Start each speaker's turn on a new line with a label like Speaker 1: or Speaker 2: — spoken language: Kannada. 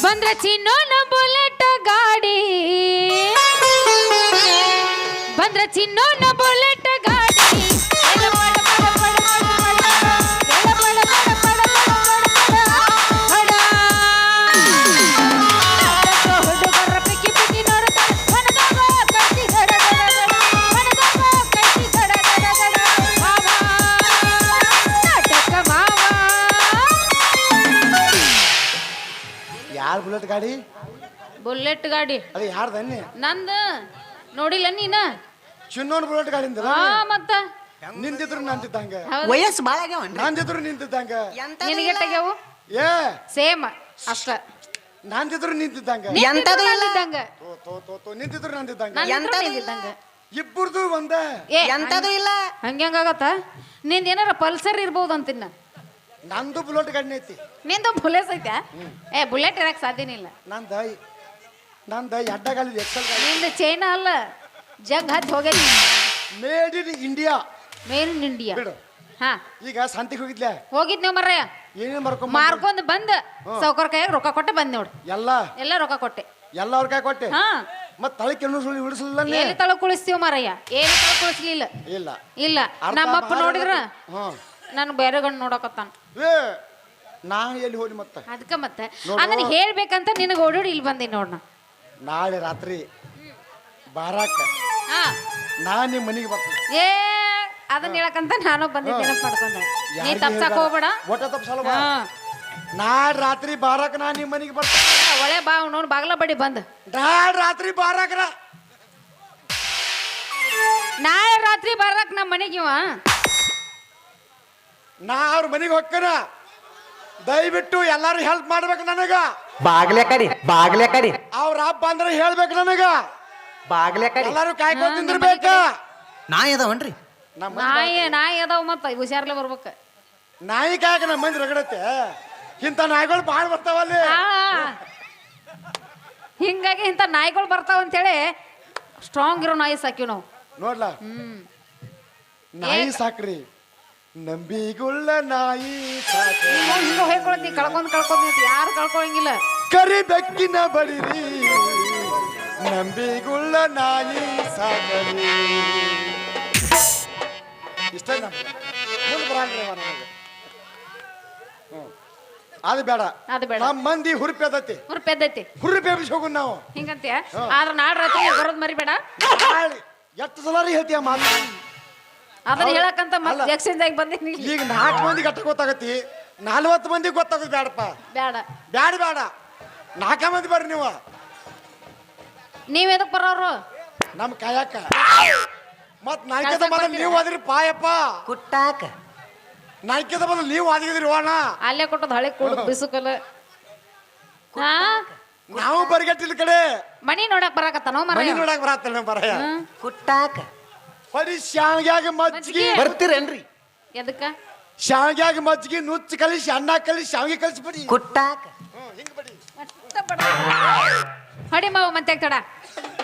Speaker 1: ಬಂದ್ರ ಚಿನ್ನೋನ ಬುಲೆಟ್ ಗಾಡಿ ಬಂದ್ರ ಚಿನ್ನೋನ ಬುಲೆಟ್ ಗಾಡಿ
Speaker 2: ಯಾರು ಬುಲೆಟ್ ಗಾಡಿ
Speaker 1: ಬುಲೆಟ್ ಗಾಡಿ
Speaker 2: ಅದು ಯಾರ್ದನ್ನಿ
Speaker 1: ನಂದು ನೋಡಿಲ್ಲ ನೀನ
Speaker 2: ಚಿನ್ನೋನ್ ಬುಲೆಟ್ ಗಾಡಿ ಅಂದಲ್ಲ
Speaker 1: ಹಾ ಮತ್ತ
Speaker 2: ನಿಂತಿದ್ರು ನಂತಿದ್ದಂಗ
Speaker 3: ವಯಸ್ಸು ಬಾಳ ಆಗ್ಯಾವನ್ರಿ
Speaker 2: ನಂದಿದ್ರು ನಿಂತಿದ್ದಂಗ
Speaker 1: ನಿನಗೆ ತೆಗೆವು
Speaker 2: ಏ
Speaker 1: ಸೇಮ್ ಅಷ್ಟ
Speaker 2: ನಂದಿದ್ರು ನಿಂತಿದ್ದಂಗ
Speaker 3: ಎಂತದು ಇಲ್ಲ
Speaker 1: ಇದ್ದಂಗ
Speaker 2: ನಿಂತಿದ್ರು ನಂದಿದ್ದಂಗ
Speaker 1: ಇದ್ದಂಗ
Speaker 2: ಇಬ್ಬರದು ಒಂದ
Speaker 1: ಏ
Speaker 3: ಎಂತದು ಇಲ್ಲ
Speaker 1: ಹಂಗಾಗತ್ತ ನಿಂದ ಏನಾರ ಪಲ್ಸರ್ ಇರ್ಬೋದು ಅಂತಿನ್ನ
Speaker 2: ನಂದು ಬುಲೆಟ್ ಗಾಡಿನ ಐತಿ
Speaker 1: ನಿಂದು ಬುಲೆಟ್ ಐತೆ ಏ ಬುಲೆಟ್ ಇರಕ್ ಸಾಧ್ಯನೇ ಇಲ್ಲ
Speaker 2: ನಂದ ಎಡ್ಡಗಾಲಿ ಎಕ್ಸಲ್ ಗಾಡಿ
Speaker 1: ನಿಂದ ಚೈನಾ ಅಲ್ಲ ಜಗ್ ಹಚ್ಚಿ ಹೋಗೈತಿ
Speaker 2: made in India
Speaker 1: main in India
Speaker 2: ಬಿಡು
Speaker 1: ಹಾ
Speaker 2: ಈಗ ಸಂತಿಗೆ ಹೋಗಿದ್ಲೆ
Speaker 1: ಹೋಗಿದ್ ನೀವು ಮರ್ರಯ್ಯ
Speaker 2: ಏನೇನ್ ಮಾಡ್ಕೊಂಡ್
Speaker 1: ಮಾರ್ಕೊಂಡ್ ಬಂದ್ ಸೌಕರ್ ಕೈಯಾಗ ರೊಕ್ಕ ಕೊಟ್ಟೆ ಬಂದ್ ನೋಡು ಎಲ್ಲ ರೊಕ್ಕ ಕೊಟ್ಟೆ
Speaker 2: ಎಲ್ಲ ಅವ್ರ ಕೈ ಕೊಟ್ಟೆ
Speaker 1: ಹಾ
Speaker 2: ಮತ್ ತಳಕ್ಕೆ ಸುಳ್ಳಿ ಉಳಿಸಲಿಲ್ಲ
Speaker 1: ಎಲ್ಲಿ ತಳ ಕುಳಿಸ್ತೀವ ಮಾರಯ್ಯ ಏನು ತಳ ಕುಳಿಸ್ಲಿಲ್ಲ
Speaker 2: ಇಲ್ಲ
Speaker 1: ಇಲ್ಲ
Speaker 2: ಅರ್ಧ
Speaker 1: ನಮ್ಮಪ್ಪ
Speaker 2: ಭಾರ
Speaker 1: ನೋಡಿದ್ರ
Speaker 2: ಹ್ಮ್
Speaker 1: ನನ್ ಬೇರೆ ಗಂಡು ನೋಡಕತ್ತಾನ
Speaker 2: ಏ ನಾ ಎಲ್ಲಿ ಹೋಗಿ ಮತ್ತೆ
Speaker 1: ಅದಕ್ಕ ಮತ್ತೆ ಅದನ್ನ ಹೇಳ್ಬೇಕಂತ ನಿನಗೆ ಓಡೋಡಿ ಇಲ್ಲಿ ಬಂದಿ ನೋಡ್ ನಾ
Speaker 2: ನಾಳೆ ರಾತ್ರಿ ಬಾರಾಕ
Speaker 1: ಹಾ
Speaker 2: ನಾ ನಿಮ್ ಮನಿಗೆ ಬರ್ತೀನಿ
Speaker 1: ಏ ಅದನ್ನ ಹೇಳಕಂತ ನಾನು ಬಂದಿದ್ದೇನೆ ಪಡ್ಕೊಂಡೆ ನೀ ತಪ್ಸಕ್ ಹೋಗ್ಬೇಡ
Speaker 2: ಒಟ್ಟ ತಪ್ಸಲ್ಲ
Speaker 1: ಹಾ
Speaker 2: ನಾಳೆ ರಾತ್ರಿ ಬಾರಾಕ ನಾ ನಿಮ್ ಮನಿಗೆ ಬರ್ತೀನಿ
Speaker 1: ಒಳ್ಳೆ ಬಾ ನೋಡ್ ಬಾಗ್ಲ ಬಡಿ ಬಂದ್
Speaker 2: ನಾಳೆ ರಾತ್ರಿ ಬಾರಾಕರ
Speaker 1: ನಾಳೆ ರಾತ್ರಿ ಬರಕ್ ನಮ್ಮ ಮನೆಗಿವ
Speaker 2: ನಾ ಅವ್ರ ಮನಿಗೆ ಹೋಗ್ಕನ ದಯವಿಟ್ಟು ಎಲ್ಲಾರು ಹೆಲ್ಪ್ ಮಾಡ್ಬೇಕು ನನಗ
Speaker 3: ಬಾಗ್ಲೆ ಕಡಿ
Speaker 2: ಅವ್ರ ಹಬ್ಬ ಅಂದ್ರೆ ಹೇಳ್ಬೇಕು ನನಗ
Speaker 3: ಬಾಗ್ಲೆ ಕಡಿ
Speaker 2: ಎಲ್ಲಾರು ಕಾಯ್ಕೊಂಡ್ ತಿಂದಿರ್ಬೇಕ
Speaker 3: ನಾಯಿ ಅದಾವನ್ರಿ
Speaker 2: ನಮ್ಮ
Speaker 1: ನಾಯಿ ಅದಾವ ಮತ್ತ ಹುಷಾರ್ಲೆ ಬರ್ಬೇಕ
Speaker 2: ನಾಯಿ ಕಾಯಕ ನಮ್ಮ ಮಂದಿ ರಗಡತ್ತೆ ಇಂಥ ನಾಯಿಗಳು ಬಾಳ್ ಬರ್ತಾವಲ್ಲಿ
Speaker 1: ಹಿಂಗಾಗಿ ಇಂಥ ನಾಯಿಗಳು ಬರ್ತಾವ ಅಂತೇಳಿ ಸ್ಟ್ರಾಂಗ್ ಇರೋ ನಾಯಿ ಸಾಕಿವ್ ನಾವು
Speaker 2: ನೋಡ್ಲ ನಾಯಿ ಸಾಕ್ರಿ ನಂಬಿಗುಳ್ಳ ನಾಯಿ ಸಾಕ್ರಿ
Speaker 1: ಹಿಂಗ ಹೇಳ್ಕೊಳತಿ ಕಳ್ಕೊಂಡ್ ಯಾರು ಕಳ್ಕೊಳಂಗಿಲ್ಲ
Speaker 2: ಕರಿ ಬೆಕ್ಕಿನ ಬಡಿರಿ ನಂಬಿಗುಳ್ಳ ನಾಯಿ ಸಾಕರಿ ಇಷ್ಟ ಮುಂದೆ ಬರಂಗ್ರಿ ಅದು ಬೇಡ ನಮ್ಮ ಮಂದಿ ಹುರುಪಿ ಅದತಿ
Speaker 1: ಹುರ್ಪೆದ್ದೈತಿ
Speaker 2: ಹುರುಪಿ ಎಬ್ಬಿಸಿ ಹೋಗುನ್ ನಾವು
Speaker 1: ಹಿಂಗಂತೀಯ ಆದ್ರ ನಾಡ್ ರಾತ್ರಿ ಬರೋದ್ ಮರಿಬೇಡ
Speaker 2: ಎಷ್ಟು ಸಲ ಹೇಳ್ತೀಯ ಮಾತು
Speaker 1: ಅದನ್ನ ಹೇಳಕ್ಕಂತ ಮತ್ತೆ ಎಕ್ಸ್ಚೇಂಜ್ ಆಗಿ ಬಂದಿನಿ
Speaker 2: ಈಗ 4 ಮಂದಿ ಗಟ್ಟ ಗೊತ್ತಾಗತಿ 40 ಮಂದಿ ಗೊತ್ತಾಗೋದು ಬೇಡಪ್ಪ
Speaker 1: ಬೇಡ
Speaker 2: ಬೇಡ 4 ಮಂದಿ ಬರ್ರಿ ನೀವು
Speaker 1: ನೀವ್ ಎದಕ್ ಬರೋರು
Speaker 2: ನಮ್ ಕಾಯಕ ಮತ್ ನಾಯ್ಕದ ಬದಲು ನೀವು ಅದ್ರಿ ಪಾಯಪ್ಪ
Speaker 3: ಕುಟ್ಟಾಕ
Speaker 2: ನಾಯ್ಕದ ಬದಲು ನೀವು ಅದಿದ್ರಿ ಓಣ
Speaker 1: ಅಲ್ಲೇ ಕೊಟ್ಟದ್ ಹಳೆ ಕೊಡು ಬಿಸುಕಲ್ಲ ಹಾ
Speaker 2: ನಾವು ಬರ್ಗಟ್ಟಿಲ್ ಕಡೆ
Speaker 1: ಮನಿ ನೋಡಕ್ ಬರಾಕತ್ತಾನೋ
Speaker 2: ಮನಿ
Speaker 1: ಮರ
Speaker 2: ನೋಡಕ್ ಬರತ್ತಲ್ಲ ಬರಯ
Speaker 3: ಕುಟ್ಟಾಕ
Speaker 2: ಬರೀ ಶಾವ್ಗ್ಯಾಗ ಮಜ್ಜಿಗೆ
Speaker 3: ಬರ್ತೀರೇನ್ರಿ
Speaker 1: ಎದಕ್ಕ
Speaker 2: ಶಾವ್ಗ್ಯಾಗ ಮಜ್ಜಿಗೆ ನುಚ್ಚು ಕಲಿಸಿ ಅನ್ನ ಕಲಿಸಿ ಶಾವ್ಗೆ ಕಲಿಸಿ ಬಿಡಿ
Speaker 3: ಕುಟ್ಟಾಕ
Speaker 2: ಹಿಂಗ್ ಬಿಡಿ
Speaker 1: ಹೊಡಿ ಮಾವು ಮತ್ತೆ ತಡ